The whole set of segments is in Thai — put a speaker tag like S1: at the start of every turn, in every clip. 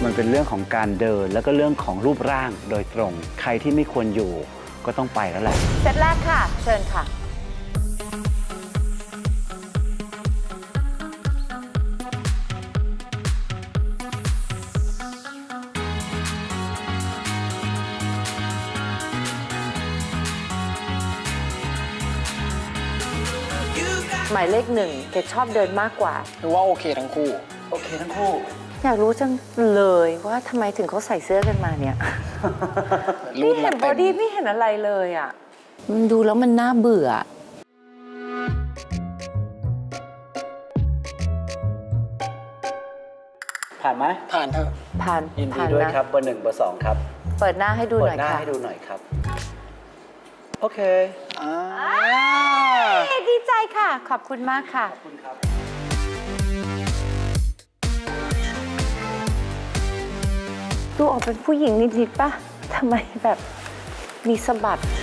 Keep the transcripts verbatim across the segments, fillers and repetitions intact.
S1: มันเป็นเรื่องของการเดินแล้วก็เรื่องของรูปร่างโดยตรง ใครที่ไม่ควรอยู่ก็ต้องไปแล้วแหละ
S2: เซตแรกค่ะเชิญค่ะหมายเลขหนึ่งเกดชอบเดินมากกว่า
S3: หรือว่าโอเคทั้งคู่
S1: โอเคทั้งคู่
S2: อยากรู้จังเลยว่าทำไมถึงเขาใส่เสื้อกันมาเนี่ยไม่เห็นบอดี้ไม่เห็นอะไรเลยอ่ะมันดูแล้วมันน่าเบื่อ
S1: ผ่านไหม
S3: ผ่านเถอะ
S2: ผ่าน
S1: ยินดีด้วยครับเบอร์หนึ่งเบอร์สองครับ
S2: เปิดหน้าให้ดูหน่อยค่ะ
S1: เปิดหน้าให้ดูหน่อยครับโอเค
S3: อ่า
S2: ดีใจค่ะขอบคุณมากค่ะ
S1: ขอบคุณครับ
S2: ดูออกเป็นผู้หญิงนิดๆป่ะทำไมแบบมีสะบัด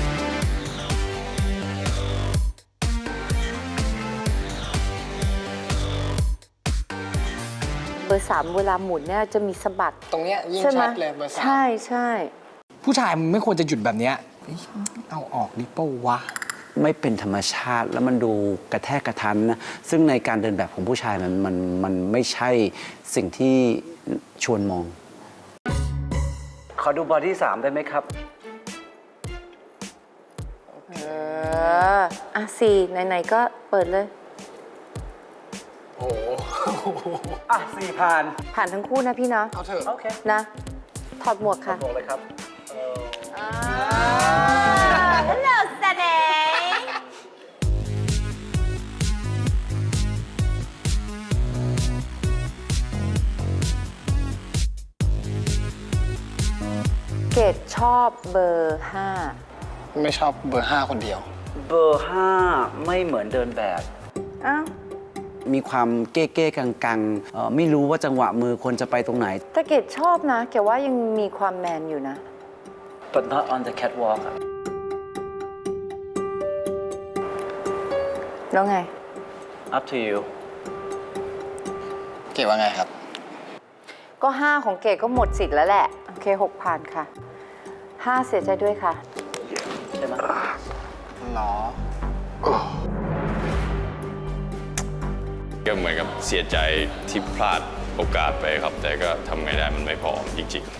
S2: เบอร์สามเวลาหมุนเนี่ยจะมีสะบัด
S3: ตรงเนี้ยยิ่งชัดเลยเบอร์สาม
S2: ใช่ใช่
S3: ผู้ชายมันไม่ควรจะหยุดแบบเนี้ยเอาออกดิเป้าวะ
S1: ไม่เป็นธรรมชาติแล้วมันดูกระแทกกระทันนะซึ่งในการเดินแบบของผู้ชายมันมันมันไม่ใช่สิ่งที่ชวนมองขอดูบอดี้สามได้ไหมครับ
S2: เอออ่ะสี่ไหนๆก็เปิดเลย
S3: โอ้
S1: อ่ะสี่ผ่าน
S2: ผ่านทั้งคู่นะพี่เนาะ
S3: เอาเถอะ
S1: โอเค
S2: นะถอดหมวกค่ะ
S1: ถอดหมวกเลยครับ
S2: ฮัลโหลสเนเกดชอบเบอร์ห้า
S3: ไม่ชอบเบอร์ห้าคนเดียว
S1: เบอร์ห้าไม่เหมือนเดินแบบ
S2: อ้าว
S1: มีความเก้เก้กังกังไม่รู้ว่าจังหวะมือคนจะไปตรงไหน
S2: แต่เกดชอบนะเกดว่ายังมีความแมนอยู่นะ
S1: but not on the catwalk
S2: แล้วไง
S1: up to you
S3: เก๋ว่าไงครับ
S2: ก็ห้าของเกดก็หมดสิทธิ์แล้วแหละโอเคหกผ่านค่ะห้าเสียใจด้วยค่ะ
S1: ใช่ไหม
S3: หรอ
S4: ก็เหมือนกับเสียใจที่พลาดโอกาสไปครับแต่ก็ทำไงได้มันไม่พอจริง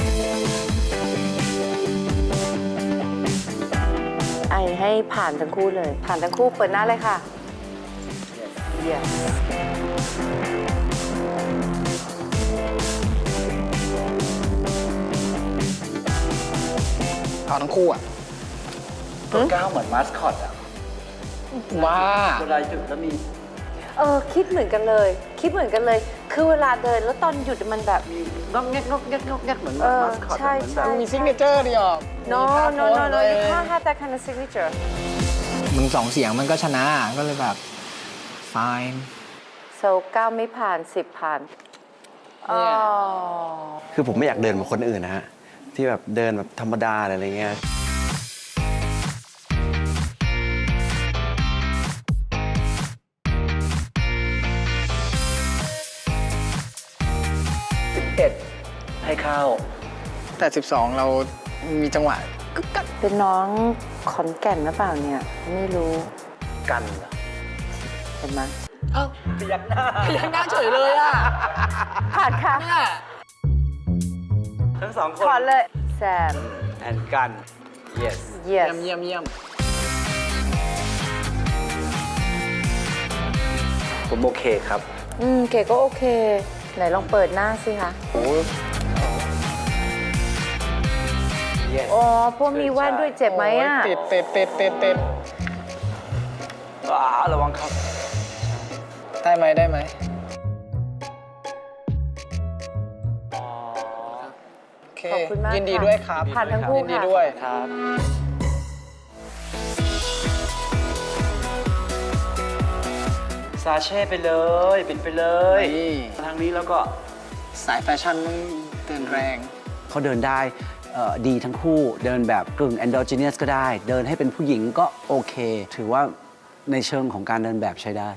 S2: ๆไอให้ผ่านทั้งคู่เลยผ่านทั้งคู่เปิดหน้าเลยค่ะ yes.
S3: เอาทั้งคู่อ่ะ
S1: ตัวก้าวเหมือนมาสคอตอ่ะ
S3: ว้า
S1: เวลาหยุดแล้วมี
S2: เออคิดเหมือนกันเลยคิดเหมือนกันเลยคือเวลาเดินแล้วตอนหยุดมันแบบ
S1: งอกแงกงอกแงกงอกแงกเหมือนมาสคอต
S2: ใช่ใช่
S3: มีซิกเนเจอร์ดิออก
S2: no no no no you can't have that kind of signature
S3: มึงสองเสียงมันก็ชนะก็เลยแบบ fine
S2: so เก้าไม่ผ่านสิบผ่านอ๋อ
S5: คือผมไม่อยากเดินเหมือนคนอื่นนะฮะที่แบบเดินแบบธรรมดาอะไรเงี้ย
S1: ให้เข้า
S3: แต่สิบสองเรามีจังหวะกึกกัก
S2: เป็นน้องขอนแก่นหรือเปล่าเนี่ยไม่รู้
S1: กันเหรอ
S2: เห็นไหม
S3: เอ้า
S1: พยักหน้า
S3: พยักหน้าเฉยเลยอ่ะ
S2: ผ่านค่ะ
S1: ทั้งสองคน
S2: ขอเลยแซม
S1: and กัน yes
S3: เยี่ยมเยี่ยมเยี่ยม
S1: ผมโอเคครับ
S2: อืมเก๋ก็โอเคไหนลองเปิดหน้าสิคะ
S3: โอ้
S2: อ๋อพวกมีแว่นด้วยเจ็บไหมอ่ะ
S3: ติดติดติดติดติด
S1: ว้าระวังครับ
S3: ได้ไหมได้ไหมโอเค
S2: ขอบคุณมาก
S3: ยินดีด้วยครับ
S2: ผ่านทั้งคู่
S3: ยินดีด้วย
S1: ครับซาเช่ไปเลยปิดไปเลยทางนี้แล้วก็
S3: สายแฟชั่นต้องเดินแรง
S1: เขาเดินได้ดีทั้งคู่เดินแบบกึ่ง endogenous ก็ได้เดินให้เป็นผู้หญิงก็โอเคถือว่าในเชิงของการเดินแบบใช้ได้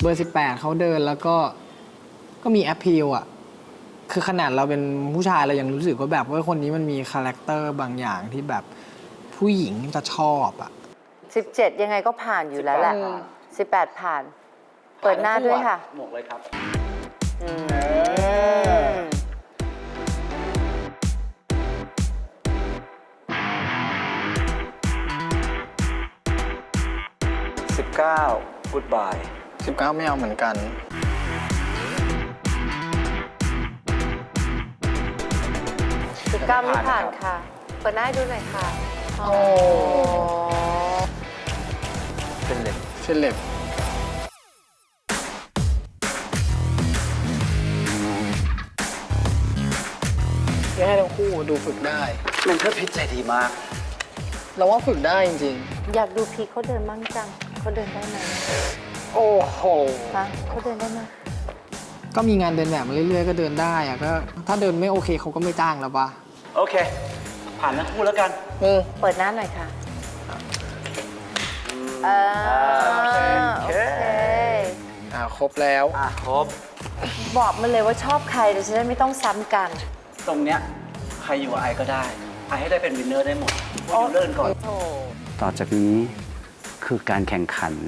S3: เบอร์สิบแปดเขาเดินแล้วก็ก็มีแอปพิลอ่ะคือขนาดเราเป็นผู้ชายเรายังรู้สึกว่าแบบว่าคนนี้มันมีคาแรคเตอร์บางอย่างที่แบบผู้หญิงจะชอบอ่ะ
S2: สิบเจ็ดยังไงก็ผ่านอยู่แล้วแหละสิบแปดผ่าน เปิดหน้าด้วยค่ะ
S1: หมวกเลยครับ
S2: อืม
S1: สิบเก้า goodbye
S3: สิบเก้าไม่เอาเหมือนกัน
S2: สิบเก้าไม่ผ่านค่ะ เปิดหน้าให้ดูหน่อยค่ะ โอ้
S1: เป็นเล็บ
S3: เฟลเล็บแย่ทั้งคู่ดูฝึกได้
S1: เมนเทอร์พิชใจดีมาก
S3: เราว่าฝึกได้จริง
S2: อยากดูพีคเขาเดินบ้างจังเขาเดินได้ไหม
S3: ๆ โอ้โห
S2: ฮะเขาเดินได้ไหม
S3: ก็มีงานเดินแบบมาเรื่อยๆ ก็เดินได้อะก็ถ้าเดินไม่โอเคเขาก็ไม่จ้างแล้วปะ
S1: โอเค ผ่านทั้งคู่แล้วกัน
S3: เออ
S2: เปิดหน้าหน่อยค่ะเออโอเค
S3: อ่าครบแล้ว
S1: อ่ะ ครบ
S2: บอกมาเลยว่าชอบใครเดี๋ยวจะได้ไม่ต้องซ้ำกัน
S1: ตรงเนี้ยใครอยู่กับไอก็ได้ ไอให้ได้เป็นวินเนอร์ได้หมดว่าอยู่เลื่อนก่อน
S2: โอ้
S1: ต่อจากนี้คือการแข่งขัน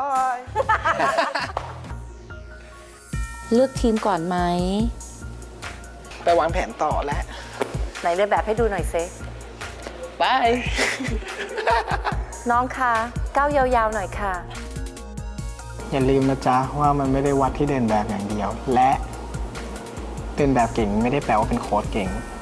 S2: เลือกทีมก่อนไหม
S3: ไปวางแผนต่อแล้ว
S2: ไหนเดินแบบให้ดูหน่อยเซ
S3: บาย
S2: น้องคะก้าวยาวๆหน่อยค่ะ
S3: อย่าลืมนะจ๊ะว่ามันไม่ได้วัดที่เดินแบบอย่างเดียว และเดินแบบเก่งไม่ได้แปลว่าเป็นโค้ชเก่ง